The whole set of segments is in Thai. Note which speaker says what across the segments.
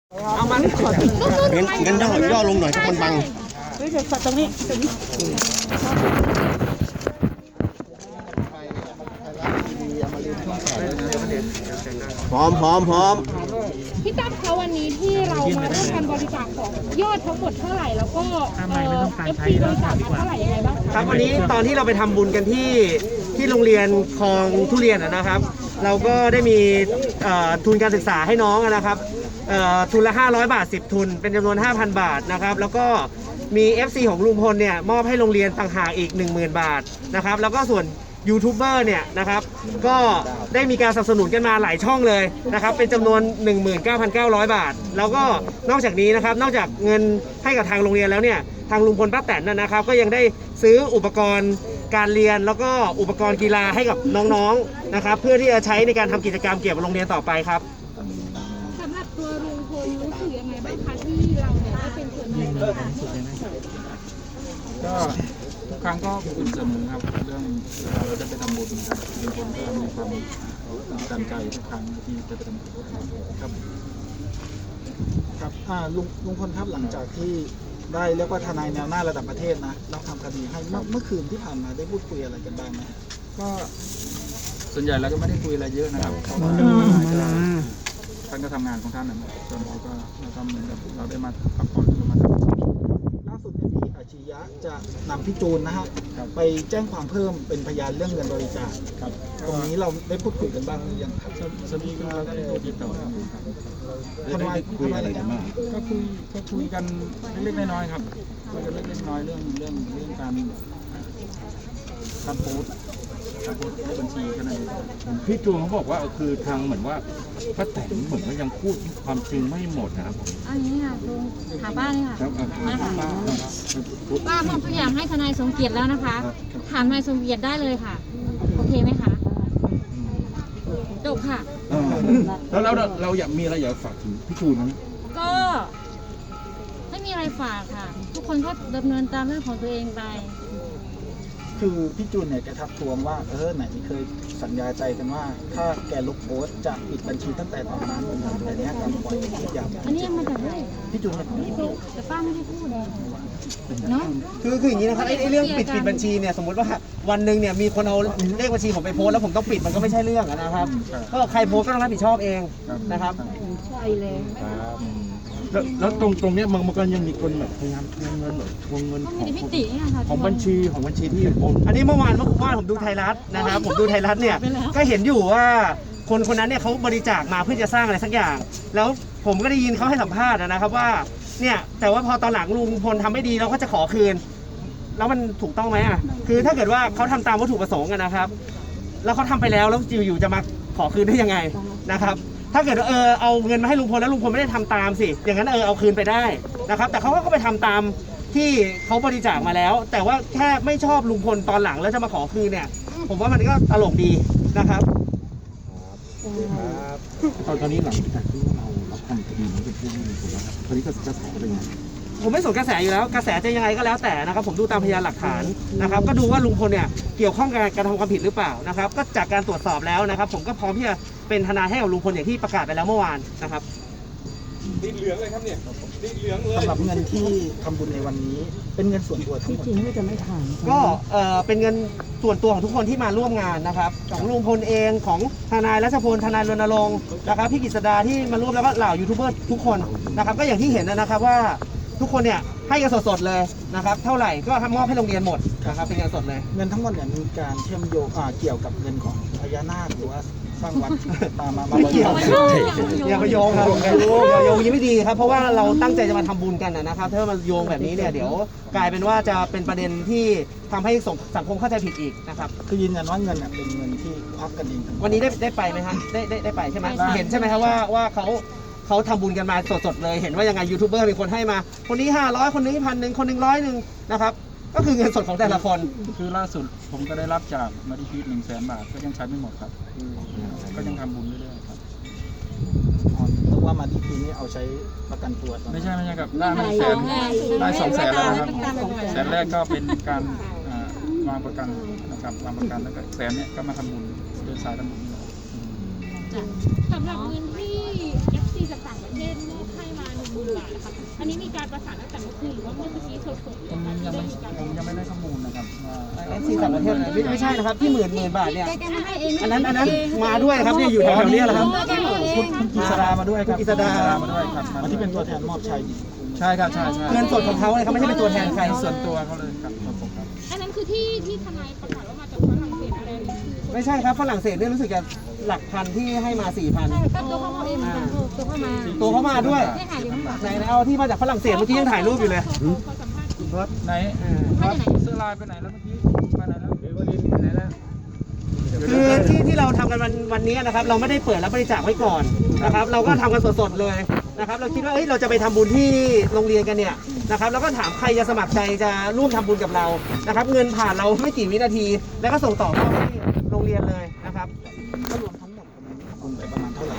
Speaker 1: เอามางั้นย่อลงหน่อยทุกคนบังเฮ้ยเดี๋ยวตรงนี้พร้อม
Speaker 2: พี่ตั้มคะวันนี้ที่เรามาร่วมกันบริจาคของยอดทั้งหมดเท่าไหร่แล้วก็FC บริจาคมาเท่าไหร่ยังไงบ้าง
Speaker 3: ครับวันนี้ตอนที่เราไปทำบุญกันที่โรงเรียนคลองทุเรียนนะครับ เราก็ได้มีทุนการศึกษาให้น้องนะครับทุนละ500 บาท10ทุนเป็นจำนวน 5,000 บาทนะครับแล้วก็มี FC ของลุงพลเนี่ยมอบให้โรงเรียนต่างหากอีก 10,000 บาทนะครับแล้วก็ส่วนยูทูบเบอร์เนี่ยนะครับก็ได้มีการสนับสนุนกันมาหลายช่องเลยนะครับเป็นจำนวน 19,900 บาทแล้วก็นอกจากนี้นะครับนอกจากเงินให้กับทางโรงเรียนแล้วเนี่ยทางลุงพลป้าแตนนะครับก็ยังได้ซื้ออุปกรณ์การเรียนแล้วก็อุปกรณ์กีฬาให้กับน้องๆนะครับเพื่อที่จะใช้ในการทำกิจกรรมเกี่ยวกับโรงเรียนต่อไปครับ
Speaker 2: สำหรับตัวลุงพลรู้สึกยังไงบ้างคะที่เราเนี่ยได้เป็นส่วนหนึ่งในการ
Speaker 4: ก็ทุกครั้งก็อุ่นเสมอครับเรื่องเราจะไปทำบุญนะครับลุงพลก็มีความตั้งใจทุกครั้งที่จะไปทำบุญครับ
Speaker 5: ลุงพลครับหลังจากที่ได้เรียกว่าทนายแนวหน้าระดับประเทศนะเราทำคดีให้เมื่อคืนที่ผ่านมาได้พูดคุยอะไรกันบ้างไหม
Speaker 4: ก็ส่วนใหญ่เราก็ไม่ได้คุยอะไรเยอะนะครับเพราะว่าท่านก็ทำงานของท่านนะครับส่วนเราก็เหมือนกับเราได้มาพักผ่อนมา
Speaker 5: ล่าสุดเนี่ยพี่อาชียะจะนำพี่จูนนะฮะไปแจ้งความเพิ่มเป็นพยานเรื่องเงินบริจาคครับตรงนี้เราได้พูดคุยกันบ้างหรือยังครับ
Speaker 4: สมีก็ได้ติดต่อกันอยู่ครับ
Speaker 5: ทำไมอะไรกันบ้าง
Speaker 4: ก็คุยกันเล็กๆน้อยๆครับคุยกันเล็กๆน้อยๆเรื่องการโพสต์ในบัญชีกันเลย
Speaker 6: พี่จูนเขาบอกว่าคือทางเหมือนว่าป้าแตนเหมือนว่ายังพูดความจริงไม่หมดนะครับ
Speaker 7: อันนี้ค่ะลุงถามป้าเลยค่ะมาค่ะป้ามอบทุกอย่างให้ทนายสมเกียรติแล้วนะคะถามทนายสมเกียรติได้เลยค่ะโอเคไหมคะจบค่ะ
Speaker 6: แล้วเราอยากมีอะไรอยากฝากถึงพี่จูนไหม
Speaker 7: ก็ไม่มีอะไรฝากค่ะทุกคนก็ดำเนินตามเรื่องของตัวเองไป
Speaker 5: คือพี่จูนเนี่ยแกทักทวงว่าไหนเคยสัญญาใจกันว่าถ้าแกลบโพสต์จะปิดบัญชีตั้งแต่ตอนนั้นแต่เนี้ยการปล่อยทุกอย่าง
Speaker 7: อันนี้มาจากไหน
Speaker 5: พี่จูน
Speaker 7: แต่ป้าไม่ได้พูดเนาะ
Speaker 3: คืออย่างนี้นะครับไอ้เรื่องปิดบัญชีเนี่ยสมมติว่าวันหนึ่งเนี่ยมีคนเอาเลขบัญชีผมไปโพสแล้วผมต้องปิดมันก็ไม่ใช่เรื่องนะครับก็ใครโพสก็ต้องรับผิดชอบเองนะครับ
Speaker 7: ใช่เลย
Speaker 6: แล้วตรงเนี้ยมันก็ยังมีคนแบบพยายามทวงเงินของบัญชีที่โอน
Speaker 3: อันนี้เมื่อวานผมดูไทยรัฐนะครับผมดูไทยรัฐเนี่ยก็เห็นอยู่ว่าคนนั้นเนี่ยเขาบริจาคมาเพื่อจะสร้างอะไรสักอย่างแล้วผมก็ได้ยินเขาให้สัมภาษณ์นะครับว่าเนี่ยแต่ว่าพอตอนหลังลุงพลทำไม่ดีเราก็จะขอคืนแล้วมันถูกต้องไหมคือถ้าเกิดว่าเขาทำตามวัตถุประสงค์นะครับแล้วเขาทำไปแล้วอยู่จะมาขอคืนได้ยังไงนะครับถ้าเกิดเอาเงินมาให้ลุงพลแล้วลุงพลไม่ได้ทำตามสิอย่างนั้นเอาคืนไปได้นะครับแต่เขาก็ไปทำตามที่เขาบริจาคมาแล้วแต่ว่าแค่ไม่ชอบลุงพลตอนหลังแล้วจะมาขอคืนเนี่ยผมว่ามันก็ตลกดีนะครับ
Speaker 6: ตอนนี้หลังจากที่เราทำคดีนี้เป็นเรื่องลุงพลแล้วครับตอนนี้ก็จะขอเป็นยังไง
Speaker 3: ผมไม่สนกระแสอยู่แล้วกระแสจะยังไงก็แล้วแต่นะครับผมดูตามพยานหลักฐานนะครับก็ดูว่าลุงพลเนี่ยเกี่ยวข้องกับการทำความผิดหรือเปล่านะครับก็จากการตรวจสอบแล้วนะครับผมก็พร้อมที่จะเป็นทนายให้กับลุงพลอย่างที่ประกาศไปแล้วเมื่อวานนะครับ
Speaker 1: ติดเหลืองเลยครับเนี่ยติดเหลืองเลย
Speaker 5: สำหรับเงินที่ทำบุญในวันนี้เป็นเงินส่วนตัวทั้งหมด
Speaker 7: จริงๆจะไม่ทาน
Speaker 3: ก็เป็นเงินส่วนตัวของทุกคนที่มาร่วมงานนะครับของลุงพลเองของทนายรัชพลทนายรณรงค์นะครับพี่กฤษดาที่มาร่วมแล้วก็เหล่ายูทูบเบอร์ทุกคนนะครับก็อย่างที่เห็นนะครับว่าทุกคนเนี่ยให้กันสดๆเลยนะครับเท่าไหร่ก็มอบให้โรงเรียนหมดนะครับเป็นเงินสดเลย
Speaker 5: เงินทั้งหมดเนี่ยมีการเชื่อมโยงเกี่ยวกับเงินของพญานาคหรือว่าสร้างวัดมา
Speaker 3: ไม่เกี่ยวอย่าไปโยงครับอย่าโยงยิ่งไม่ดีครับเพราะว่าเราตั้งใจจะมาทำบุญกันนะครับถ้ามาโยงแบบนี้เนี่ยเดี๋ยวกลายเป็นว่าจะเป็นประเด็นที่ทำให้สังคมเข้าใจผิดอีกนะครับ
Speaker 5: คือยืนยันว่าเงินเนี่ยเป็นเงินที่ควักกันเอง
Speaker 3: วันนี้ได้ไปไหมฮะได้ไปใช่ไหมเห็นใช่ไหมครับว่าเขาทำบุญกันมาสดๆเลยเห็นว่ายังไงยูทูบเบอร์มีคนให้มาคนนี้500คนนี้1,000คนนึง100นะครับก็คือเงินสดของแต่ละคน
Speaker 4: คือล่าสุดผมก็ได้รับจากมาดิพี100,000 บาทก็ยังใช้ไม่หมดครับก็ยังทำบุญเรื่อยๆครับ
Speaker 5: เพราะว่ามาดิพีนี่เอาใช้ประกันตัว
Speaker 4: ไม่ใช่ครับได้200,000แล้วนะครับแสนแรกก็เป็นการวางประกันนะครับวางประกันแล้วก็แสนเนี่ยก็มาทำบุญเดินสายทำบุญ
Speaker 2: สำหรับเงินที่ FC จากต่างประเทศมอบให้มาบุญมานะคะอันนี้มีการประสานตั้งแต่เมื่อคืนหรือว่าเมื่อกี้สดๆเลย
Speaker 5: ผมยังไม่ได้ข้อมูลนะครับว่า
Speaker 3: FC ต่างประเทศไม่ใช่นะครับที่หมื่นบาทเนี่ย
Speaker 7: แกมาให้เอง
Speaker 3: อันนั้นมาด้วยครับเนี่ยอยู่แถวๆนี้แหละครับ
Speaker 7: แกมาให้เอง
Speaker 5: คุณกิษดามาด้วยครับ
Speaker 3: คุณกิษดา
Speaker 5: มาด้วยครับมาที่เป็นตัวแทนมอบชัย
Speaker 6: ใช่ครับใช่ใช่
Speaker 3: เงินสดของเขาเลยเขาไม่ใช่เป็นตัวแทนใคร
Speaker 6: ส่วนตัวเขาเลยครับผมครับ
Speaker 2: อันนั้นคือที่ทนายประกาศว่ามาจากฝรั่งเศสอะไรนี่คือ
Speaker 3: ไม่ใช่ครับฝรั่งเศสเนี่ยรู้สึกจะหลักพันที่ให้มา 4,000
Speaker 7: ก็ตัวเขาเองตัวเขามา
Speaker 3: ตัวเขามาด้วย
Speaker 7: ไม่หายอยู่ข้างหลัง
Speaker 3: ไหนเอาที่มาจากฝรั่งเศสเมื่อกี้ยังถ่ายรูปอยู่เลย
Speaker 2: ขอสัมภาษณ์คุณ
Speaker 6: รถไหน
Speaker 7: มาจากไหน
Speaker 6: เสื้อลายไปไหนแล้วเมื่อกี้ไปไหนแล้วเดี๋ยวลินไปไหนแล้ว
Speaker 3: คือที่เราทำกันวันนี้นะครับเราไม่ได้เปิดรับบริจาคไว้ก่อนนะครับเราก็ทำกันสดๆเลยนะครับเราคิดว่าเราจะไปทำบุญที่โรงเรียนกันเนี่ยนะครับแล้วก็ถามใครจะสมัครใจจะร่วมทำบุญกับเรานะครับเงินผ่านเราไม่กี่วินาที แล้วก็ส่งต่อเข้าที่โรงเรียนเลยนะครับ
Speaker 5: ก็รวมทั้งหมดคุณไปประมาณเท่าไหร่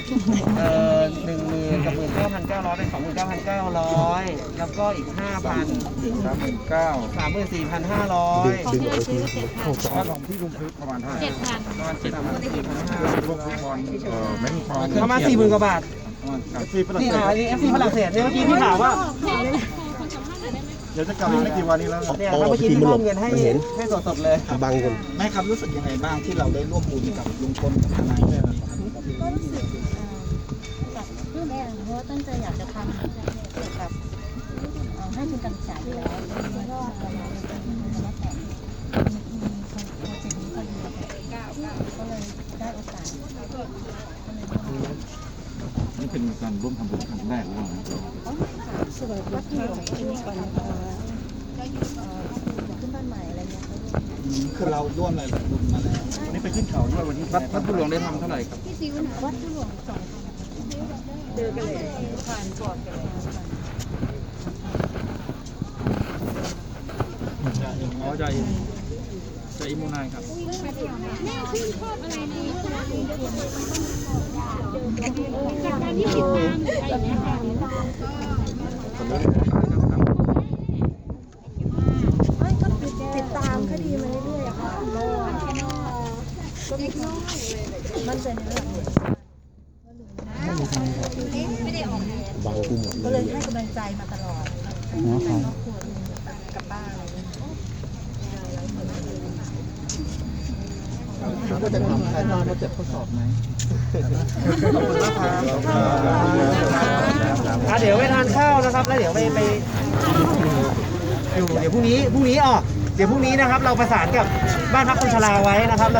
Speaker 3: 10,000 กับ 19,900 เป็น 29,900 แล้วก็อีก 5,000
Speaker 6: 39,000
Speaker 3: 34,500
Speaker 7: ของที่เราซื้อ7,000
Speaker 6: ค่าของที่ลุงพึกประมาณเท่าไหร่
Speaker 7: 7,000
Speaker 6: ประมาณ7,000พวกฟุตบอลแมงฟอง
Speaker 3: ประมาณ 40,000 กว่าบาท
Speaker 6: ที่ฝรั่ง
Speaker 3: นี่
Speaker 6: เศส
Speaker 3: อันนี้ FC ฝรั่งเศสเนี่ยเมื่อกี้พี่ถามว่า
Speaker 6: เดี๋ยวจะกลับอีกไม่กี่วันนี้แล้ว
Speaker 3: เนี่ยครับเมื่อกี้ที่มอบเงินให้สดๆเลย
Speaker 1: บังกัน
Speaker 5: แม่ครับรู้สึกยังไงบ้างที่เราได้ร่วมบุญกับลุงพลกับทนายเนี่ยครับ
Speaker 8: ก็รู้สึกแบบปลื้มเพราะว่าตั้งใจอยากจะทำเกี่ยวกับให้ทุนการศึกษาอยู่แล้วแล้วก็เราเป็นแล้วแต่มีโปรเจกต์นี้พอดีก็เลยได้โอกาส
Speaker 4: นี่เป็นการร่วมทำบุญครั้งแรกหรือเปล่า
Speaker 8: สวยวัดที่หลวงที่นี่ก่อนขึ้นบ้านใหม่อะไรเงี้ย
Speaker 5: คือเราร่วมอะไรกับบุญมาแล้ว
Speaker 6: วันนี้ไปขึ้นเขาด้วยวันนี้วัดบุญหลวงได้ทำเท่าไหร่ครับ
Speaker 8: วัดที่หลวง2,000เจอกันเลยผ่านก่อนกันเลย
Speaker 6: อ๋อใจอิมูนายครับ
Speaker 2: แม่ชื่นชอบอะไรในตัวลุงพลจากการที่ติดตามหรืออะไรอย่างเงี้ยค่ะ
Speaker 8: ไม่ก็ติดตามคดีมาเรื่อยๆค่ะก็มั่นใจในเรื่องไม่ได้ออกแทน
Speaker 1: บังกูหมด
Speaker 8: ก็
Speaker 1: เล
Speaker 8: เลย ยให้กำลังใจมาตลอดในครอบครัวกับป้าอะไรอย่างเงี้ย
Speaker 5: ก็จะทำถ่ายทอดมาเจ็บทดสอบไหม
Speaker 3: ขอบคุณมากครับเดี๋ยวไปทานข้าวนะครับแล้วเดี๋ยวไปอยู่เดี๋ยวพรุ่งนี้นะครับเราประสานกับบ้านพักคนชราไว้นะครับ